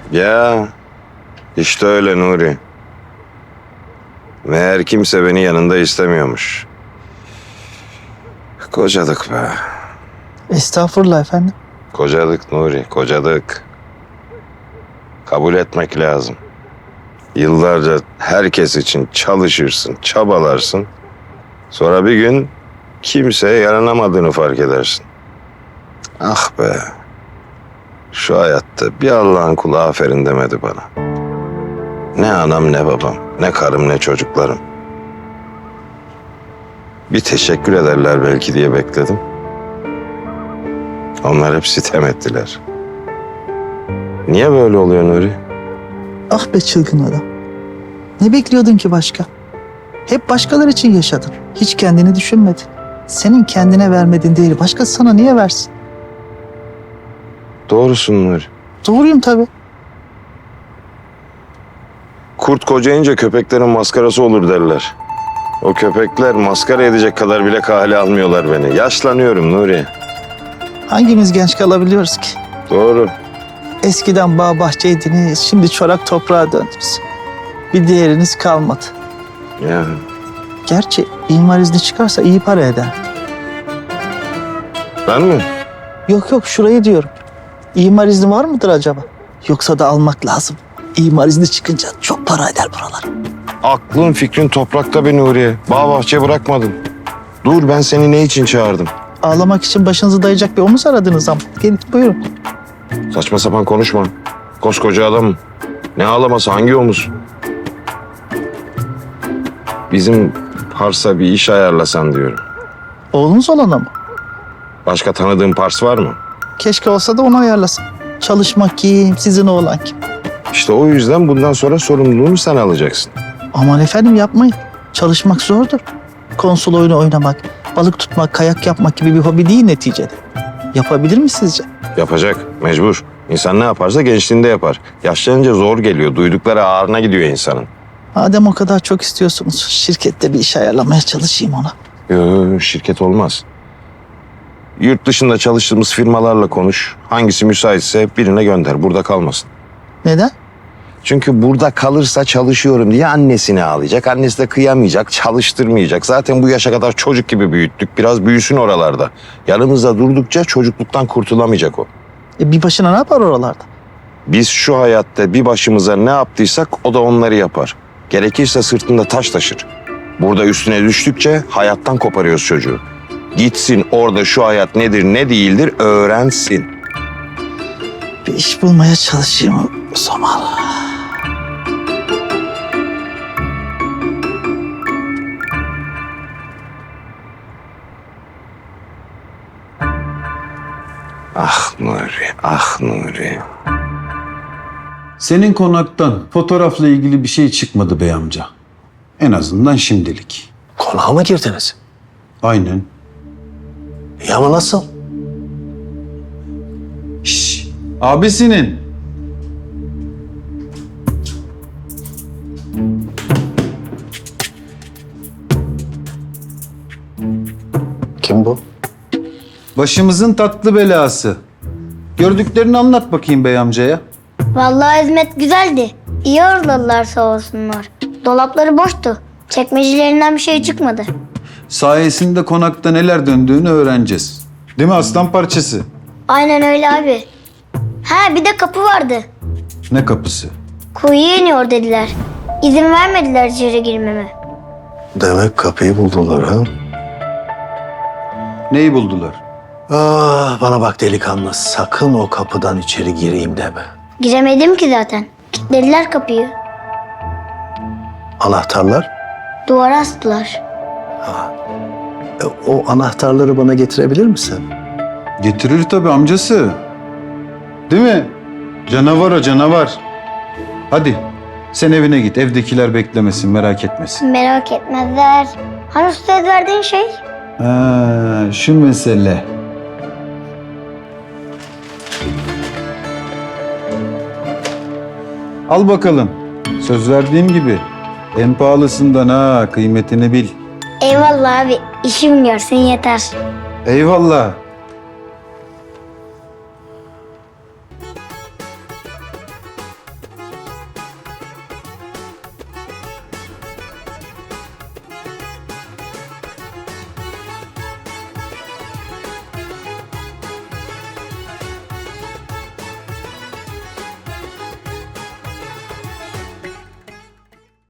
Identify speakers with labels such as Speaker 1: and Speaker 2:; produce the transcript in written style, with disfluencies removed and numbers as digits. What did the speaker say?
Speaker 1: Ya işte öyle Nuri. Meğer kimse beni yanında istemiyormuş. Kocadık be.
Speaker 2: Estağfurullah efendim.
Speaker 1: Kocadık Nuri, kocadık. Kabul etmek lazım. Yıllarca herkes için çalışırsın, çabalarsın. Sonra bir gün kimseye yaranamadığını fark edersin. Ah be. Şu hayatta bir Allah'ın kulu aferin demedi bana. Ne anam ne babam, ne karım ne çocuklarım. Bir teşekkür ederler belki diye bekledim. Onlar hep sitem ettiler. Niye böyle oluyor Nuri?
Speaker 2: Ah be çılgın adam. Ne bekliyordun ki başka? Hep başkaları için yaşadın. Hiç kendini düşünmedin. Senin kendine vermediğin değeri başkası sana niye versin?
Speaker 1: Doğrusun Nuri.
Speaker 2: Doğruyum tabii.
Speaker 1: Kurt kocayınca köpeklerin maskarası olur derler. O köpekler maskara edecek kadar bile kale almıyorlar beni. Yaşlanıyorum Nuri.
Speaker 2: Hangimiz genç kalabiliyoruz ki?
Speaker 1: Doğru.
Speaker 2: Eskiden bağ bahçeydiniz, şimdi çorak toprağa döndünüz. Bir değeriniz kalmadı.
Speaker 1: Ya
Speaker 2: Gerçi imar izni çıkarsa iyi para eder.
Speaker 1: ben mi?
Speaker 2: Yok şurayı diyorum. İmar izni var mıdır acaba? Yoksa da almak lazım. İmar izni çıkınca çok para eder buralar.
Speaker 1: Aklın fikrin toprakta be Nuriye. Bağ bahçe bırakmadın. Dur ben seni ne için çağırdım?
Speaker 2: Ağlamak için başınızı dayayacak bir omuz aradınız ama. Gelin buyurun.
Speaker 1: Saçma sapan konuşma. Koskoca adamım. Ne ağlaması hangi omuz? Bizim Pars'a bir iş ayarlasan diyorum.
Speaker 2: Oğlunuz olana mı?
Speaker 1: Başka tanıdığın Pars var mı?
Speaker 2: Keşke olsa da onu ayarlasın. Çalışmak kim, sizin oğlan kim?
Speaker 1: İşte o yüzden bundan sonra sorumluluğunu sen alacaksın.
Speaker 2: Aman efendim yapmayın. Çalışmak zordur. Konsol oyunu oynamak, balık tutmak, kayak yapmak gibi bir hobi değil neticede. Yapabilir mi sizce?
Speaker 1: Yapacak, mecbur. İnsan ne yaparsa gençliğinde yapar. Yaşlanınca zor geliyor, duydukları ağrına gidiyor insanın.
Speaker 2: Madem o kadar çok istiyorsunuz, şirkette bir iş ayarlamaya çalışayım ona.
Speaker 1: Yok, şirket olmaz. Yurt dışında çalıştığımız firmalarla konuş. Hangisi müsaitse birine gönder, burada kalmasın.
Speaker 2: Neden?
Speaker 1: Çünkü burada kalırsa çalışıyorum diye annesini ağlayacak. Annesi de kıyamayacak, çalıştırmayacak. Zaten bu yaşa kadar çocuk gibi büyüttük. Biraz büyüsün oralarda. Yanımızda durdukça çocukluktan kurtulamayacak o.
Speaker 2: Bir başına ne yapar oralarda?
Speaker 1: Biz şu hayatta bir başımıza ne yaptıysak o da onları yapar. Gerekirse sırtında taş taşır. Burada üstüne düştükçe hayattan koparıyoruz çocuğu. Gitsin orada şu hayat nedir ne değildir öğrensin.
Speaker 2: Bir iş bulmaya çalışayım o zaman.
Speaker 1: Ah Nuri, ah Nuri.
Speaker 3: Senin konaktan fotoğrafla ilgili bir şey çıkmadı bey amca. En azından şimdilik.
Speaker 4: Konağa mı girdiniz?
Speaker 3: Aynen.
Speaker 4: Ya ama nasıl?
Speaker 3: Şşş. Abisinin.
Speaker 4: Kim bu?
Speaker 3: Başımızın tatlı belası. Gördüklerini anlat bakayım bey amcaya.
Speaker 5: Vallahi hizmet güzeldi. İyi ağırladılar sağ olsunlar. Dolapları boştu. Çekmecelerinden bir şey çıkmadı.
Speaker 3: Sayesinde konakta neler döndüğünü öğreneceğiz. Değil mi aslan parçası?
Speaker 5: Aynen öyle abi. Ha bir de kapı vardı.
Speaker 3: Ne kapısı?
Speaker 5: Kuyuya iniyor dediler. İzin vermediler içeri girmeme.
Speaker 4: Demek kapıyı buldular ha?
Speaker 3: Neyi buldular?
Speaker 4: Ah, bana bak delikanlı, sakın o kapıdan içeri gireyim deme.
Speaker 5: Giremedim ki zaten. Kilitlediler kapıyı.
Speaker 4: Anahtarlar?
Speaker 5: Duvara astılar.
Speaker 4: O anahtarları bana getirebilir misin?
Speaker 3: Getirir tabii amcası. Değil mi? Canavar o canavar. Hadi sen evine git. Evdekiler beklemesin, merak etmesin.
Speaker 5: Merak etmezler. Hani söz verdiğin şey?
Speaker 3: Ha, şu mesele. Al bakalım. Söz verdiğim gibi. En pahalısından ha, kıymetini bil.
Speaker 5: Eyvallah abi. İşim görsün yeter.
Speaker 3: Eyvallah.